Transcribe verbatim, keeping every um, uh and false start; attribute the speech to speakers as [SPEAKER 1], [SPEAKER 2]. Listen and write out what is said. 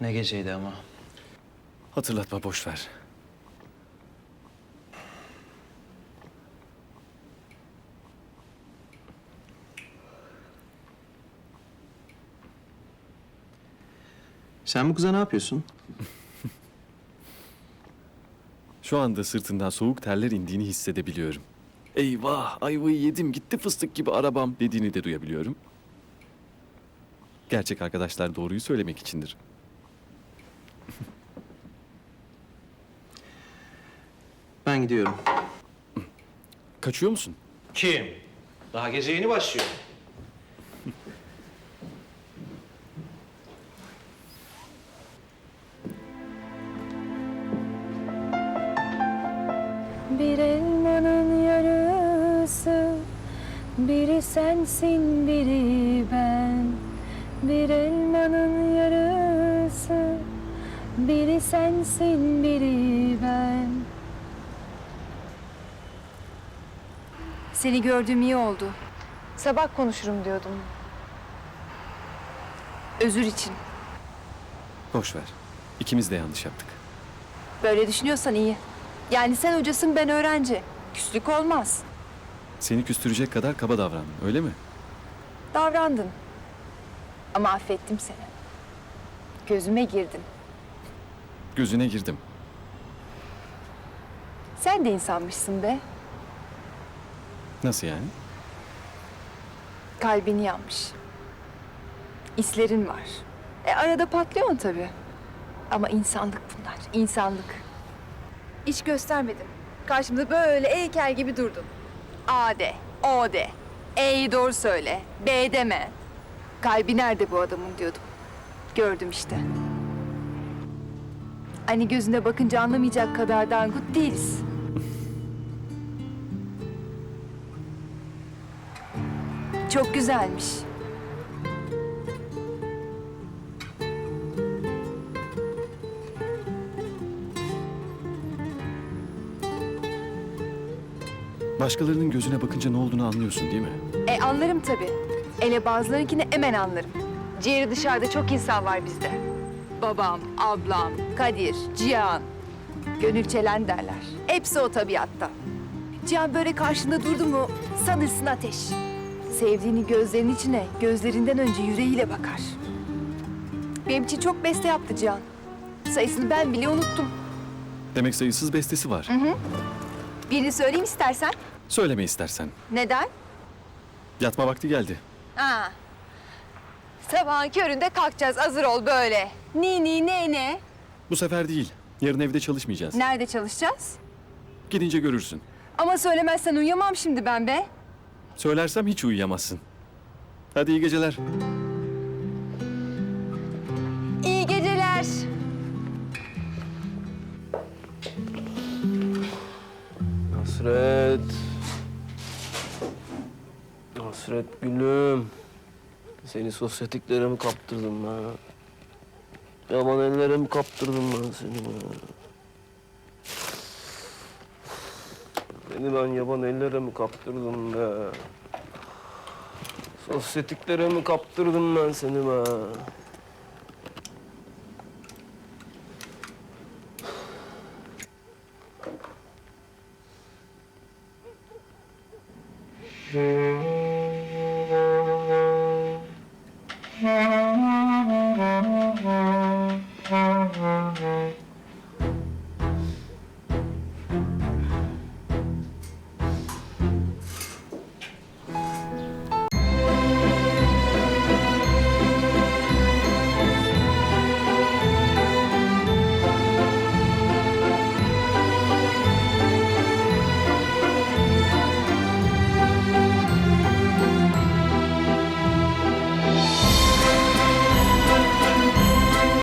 [SPEAKER 1] Ne geceydi ama.
[SPEAKER 2] Hatırlatma, boş ver.
[SPEAKER 1] Sen bu kıza ne yapıyorsun?
[SPEAKER 2] Şu anda sırtından soğuk terler indiğini hissedebiliyorum. Eyvah, ayvayı yedim, gitti fıstık gibi arabam dediğini de duyabiliyorum. Gerçek arkadaşlar doğruyu söylemek içindir.
[SPEAKER 1] Ben gidiyorum.
[SPEAKER 2] Kaçıyor musun?
[SPEAKER 1] Kim? Daha gece yeni başlıyor.
[SPEAKER 3] Bir elmanın yarısı, biri sensin, biri ben. Bir elmanın yarısı, biri sensin, biri ben. Seni gördüğüm iyi oldu. Sabah konuşurum diyordum. Özür için.
[SPEAKER 2] Boş ver. İkimiz de yanlış yaptık.
[SPEAKER 3] Böyle düşünüyorsan iyi. Yani sen hocasın, ben öğrenci. Küslük olmaz.
[SPEAKER 2] Seni küstürecek kadar kaba davrandım, öyle mi?
[SPEAKER 3] Davrandın. Ama affettim seni. Gözüme girdin.
[SPEAKER 2] Gözüne girdim.
[SPEAKER 3] Sen de insanmışsın be.
[SPEAKER 2] Nasıl yani?
[SPEAKER 3] Kalbin yanmış. İslerin var. E arada patlıyorsun tabii. Ama insanlık bunlar, insanlık. İş göstermedin. Karşımda böyle heykel gibi durdun. A de, O de. E'yi doğru söyle, B deme. Kalbi nerede bu adamın diyordum. Gördüm işte. Hani gözüne bakınca anlamayacak kadar dangut değiliz. Çok güzelmiş.
[SPEAKER 2] Başkalarının gözüne bakınca ne olduğunu anlıyorsun değil mi?
[SPEAKER 3] E anlarım tabii. Ele bazılarınkini hemen anlarım. Ciğeri dışarıda çok insan var bizde. Babam, ablam, Kadir, Cihan. Gönül çelen derler. Hepsi o tabiatta. Cihan böyle karşında durdu mu sanırsın ateş. Sevdiğini gözlerinin içine, gözlerinden önce yüreğiyle bakar. Benim için çok beste yaptı Cihan. Sayısını ben bile unuttum.
[SPEAKER 2] Demek sayısız bestesi var.
[SPEAKER 3] Birini söyleyeyim istersen.
[SPEAKER 2] Söyleme istersen.
[SPEAKER 3] Neden?
[SPEAKER 2] Yatma vakti geldi.
[SPEAKER 3] Ha. Sabahın köründe kalkacağız, hazır ol böyle. Ni ni ne ne?
[SPEAKER 2] Bu sefer değil. Yarın evde çalışmayacağız.
[SPEAKER 3] Nerede çalışacağız?
[SPEAKER 2] Gidince görürsün.
[SPEAKER 3] Ama söylemezsen uyuyamam şimdi ben be.
[SPEAKER 2] Söylersem hiç uyuyamazsın. Hadi iyi geceler.
[SPEAKER 3] İyi geceler.
[SPEAKER 4] Hasret. Hasret gülüm. Seni sosyetiklere mi kaptırdım ben? Yaman ellere mi kaptırdım ben seni ben? Seni ben yaban ellere mi kaptırdım be? Sosyetiklere mi kaptırdım ben seni be? Hmm.